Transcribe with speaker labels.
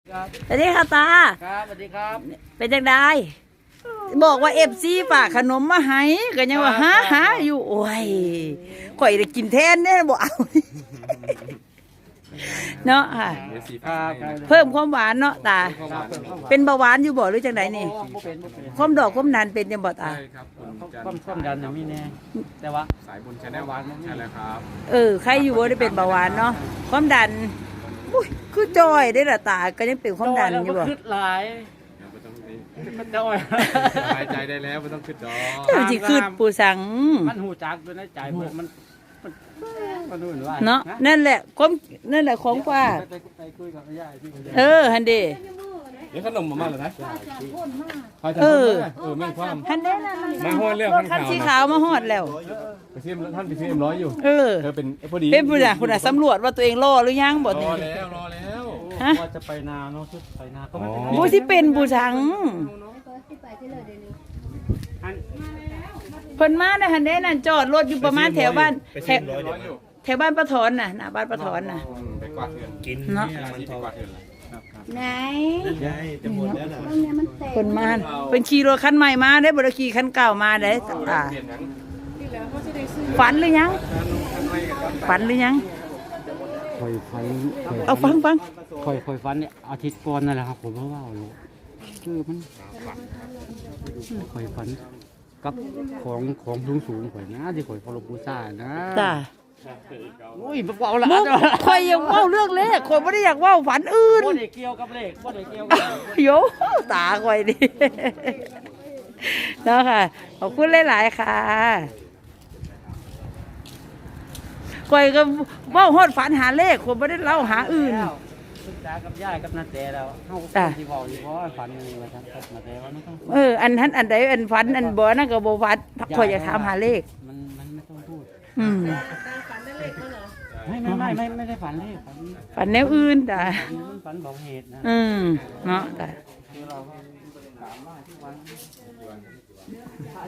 Speaker 1: สวัสดีค่ะตา
Speaker 2: ครับสวัสดีครับ
Speaker 1: เป็นจังไดบอกว่าFCฝากขนมมาให้ก็ยังว่าหาอยู่โอ้ยข่อยได้กินแทนเนี่ยบ่เอาเนาะค่ะเพิ่มความหวานเนาะตาเป็นเบาหวานอยู่บ่หรือจังไดนี่ความดอกความดันเป็นจังบ่ตา
Speaker 3: ใช่ครับ
Speaker 2: ความดันยังไม่แน่แต่ว่า
Speaker 3: สายบุญชาแนลใช่แล้วครับ
Speaker 1: ใครอยู่บ่ได้เป็นเบาหวานเนาะความดันอุ้ยคือจอยได้ล่ะตาก็ยังเป็นความดันอยู่บ่
Speaker 2: ขึ้นหลายมันจอย
Speaker 3: สบายใจได้แล้วไม่ต้องขึ้นดอก
Speaker 1: เจ้าสิขึ้นปู่สัง
Speaker 2: มันหูจักอยู่ในใจมันนู่นว่า
Speaker 1: เนาะนั่นแหละของกว่า
Speaker 2: ไปคุยกับย่าที่
Speaker 1: ฮันเด
Speaker 3: เดี๋ยวขนมมาแล้วนะแม่งความ
Speaker 1: ฮันเดนั่น
Speaker 3: มาฮอดแล้ว
Speaker 1: คันสีขาวมาฮอดแล้ว
Speaker 3: ไปซิมท่านไปซิมร้อยอยู่เป็นพอดี
Speaker 1: เป็นผู้น่ะสำรวจว่าตัวเองรอหรือยังบ่
Speaker 3: รอแล้ว
Speaker 2: ว่าจะไปนาเนาะไปนาก็ไม่
Speaker 1: บ่สิเป็นผู้สังเพิ่นมาได้ฮันเดนั่นจอดรถอยู่ประมาณแถวบ้านแถวบ้านป้าถอนน่ะหน้าบ้านป้าถอนน่ะ
Speaker 3: ไปกวาดเถื่อน
Speaker 1: กินเนาะไหน
Speaker 3: จะหมดแล้วน่ะ
Speaker 1: คนมาเป็นขี่รถคันใหม่มาได้บ่ได้ขี่คันเก่ามาได้ฝันหรือยัง
Speaker 2: คอยฝัน
Speaker 1: เอาฟัง
Speaker 2: คอยฝันเนี่ยอาทิตย์ก่อนนั่นแหละครับผมว่าอยู่คือมันคอยฝันกับของสูงข่อยนะที่ข่อยพอลบูซ่านะ
Speaker 1: จ้า
Speaker 2: อุ้ยเบาละ
Speaker 1: ข่อยยังเว้าเรื่องเลขข่อยบ่ได้อยากเว้าฝันอื่น
Speaker 2: บ่ได้เกี่ยวกับเลขบ่ได้เกี่ยวกับ
Speaker 1: โยตาข่อยดิเนาะค่ะขอบคุณหลายๆค่ะข่อยก็เว้าฮอดฝันหาเลขข่อยบ่ได้เล่าหาอื่น
Speaker 2: ศึกษากับย่ากับนาแต่แล้วเฮาสิเว้าอยู่บ่ฝันนี่ว่าซั่นกับนาแต่ว่าไม่ต้อง
Speaker 1: อันนั้นอันใดอันฝันอันบ่นั่นก็บ่ฝันข่อยอยากถามหาเลข
Speaker 2: มันไม่ต้องพูด
Speaker 4: ฝันได้เลขแล้วเหรอ
Speaker 2: ไม่ได้ฝันเลข
Speaker 1: ฝันแนวอื่นจ้ะ
Speaker 2: ฝันบอกเหตุนะ
Speaker 1: เนาะจ้ะ